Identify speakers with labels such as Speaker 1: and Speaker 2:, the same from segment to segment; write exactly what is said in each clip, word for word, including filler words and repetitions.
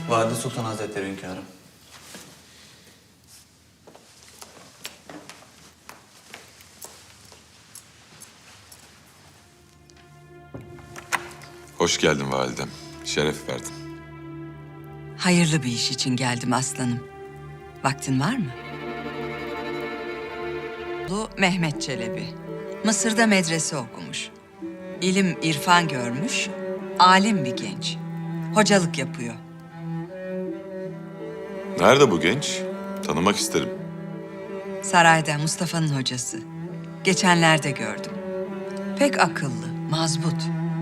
Speaker 1: Valide Sultan Hazretleri hünkârım.
Speaker 2: Hoş geldin validem. Şeref verdin.
Speaker 3: Hayırlı bir iş için geldim aslanım. Vaktin var mı? Bu Mehmet Çelebi. Mısır'da medrese okumuş. İlim, irfan görmüş. Alim bir genç. Hocalık yapıyor.
Speaker 2: Nerede bu genç? Tanımak isterim.
Speaker 3: Sarayda Mustafa'nın hocası. Geçenlerde gördüm. Pek akıllı, mazbut.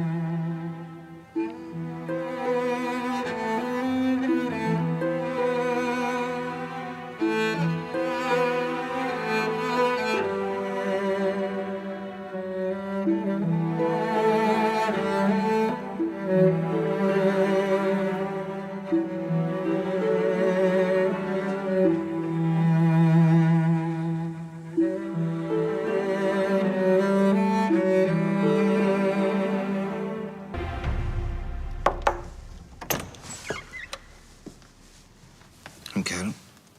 Speaker 4: Hünkârım.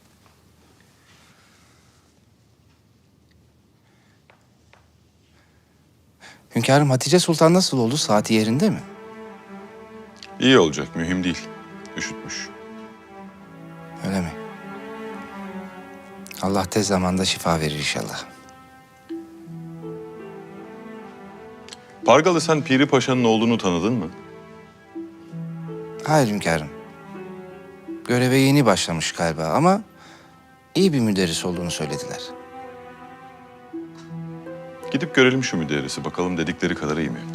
Speaker 4: Hünkârım, Hatice Sultan nasıl oldu? Saati yerinde mi?
Speaker 2: İyi olacak, mühim değil. Üşütmüş.
Speaker 4: Öyle mi? Allah tez zamanda şifa verir inşallah.
Speaker 2: Pargalı, sen Piri Paşa'nın oğlunu tanıdın mı?
Speaker 4: Hayır hünkârım. Göreve yeni başlamış galiba ama iyi bir müderris olduğunu söylediler.
Speaker 2: Gidip görelim şu müderrisi, bakalım dedikleri kadar iyi mi?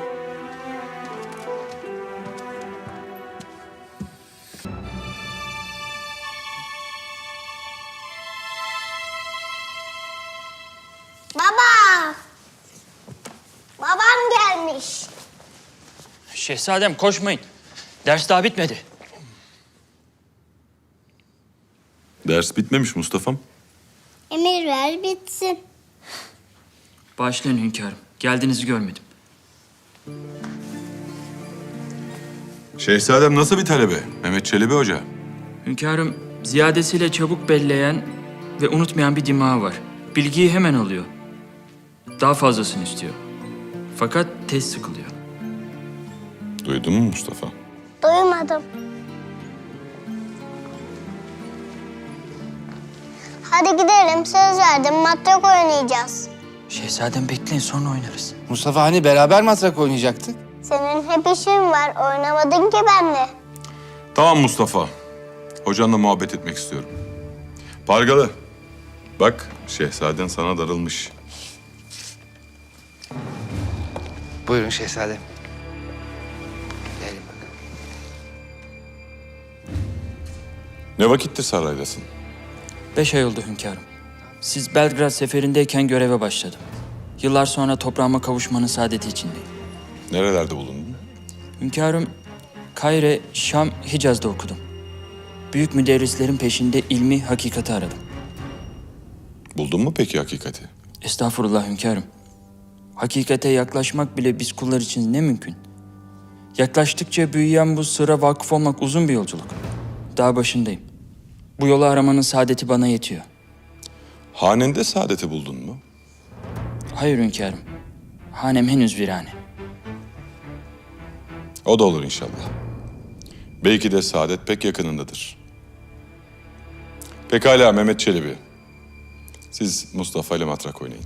Speaker 5: Baba! Babam gelmiş.
Speaker 6: Şehzadem koşmayın. Ders daha bitmedi.
Speaker 2: Ders bitmemiş Mustafa'm.
Speaker 5: Emir ver bitsin.
Speaker 6: Bağışlayın hünkârım. Geldiğinizi görmedim.
Speaker 2: Şehzadem nasıl bir talebe? Mehmet Çelebi Hoca.
Speaker 6: Hünkârım ziyadesiyle çabuk belleyen ve unutmayan bir dimağı var. Bilgiyi hemen alıyor. Daha fazlasını istiyor. Fakat tez sıkılıyor.
Speaker 2: Duydun mu Mustafa?
Speaker 5: Duymadım. Hadi gidelim, söz verdim, matrak oynayacağız.
Speaker 6: Şehzadem bekleyin, sonra oynarız.
Speaker 4: Mustafa, hani beraber matrak oynayacaktık?
Speaker 5: Senin hep işin var, oynamadın ki benimle.
Speaker 2: Tamam Mustafa. Hocanla muhabbet etmek istiyorum. Pargalı, bak şehzaden sana darılmış.
Speaker 4: Buyurun şehzadem. Gelin bakalım.
Speaker 2: Ne vakittir saraydasın?
Speaker 6: Beş ay oldu hünkârım. Siz Belgrad seferindeyken göreve başladım. Yıllar sonra toprağıma kavuşmanın saadeti içindeyim.
Speaker 2: Nerelerde bulundun?
Speaker 6: Hünkârım, Kahire, Şam, Hicaz'da okudum. Büyük müderrislerin peşinde ilmi hakikati aradım.
Speaker 2: Buldun mu peki hakikati?
Speaker 6: Estağfurullah hünkârım. Hakikate yaklaşmak bile biz kullar için ne mümkün. Yaklaştıkça büyüyen bu sıra vakıf olmak uzun bir yolculuk. Daha başındayım. Bu yolu aramanın saadeti bana yetiyor.
Speaker 2: Hanende saadeti buldun mu?
Speaker 6: Hayır hünkârım. Hanem henüz virane.
Speaker 2: O da olur inşallah. Belki de saadet pek yakınındadır. Pekala Mehmet Çelebi. Siz Mustafa ile matrak oynayın.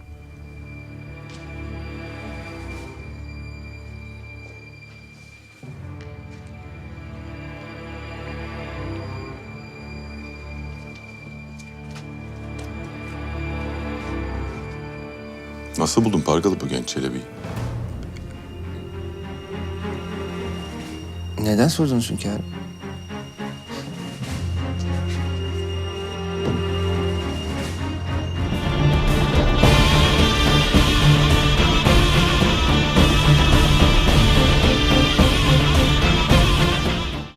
Speaker 2: Nasıl buldun Pargalı bu genç Çelebi'yi?
Speaker 4: Neden sordunuz hünkârım?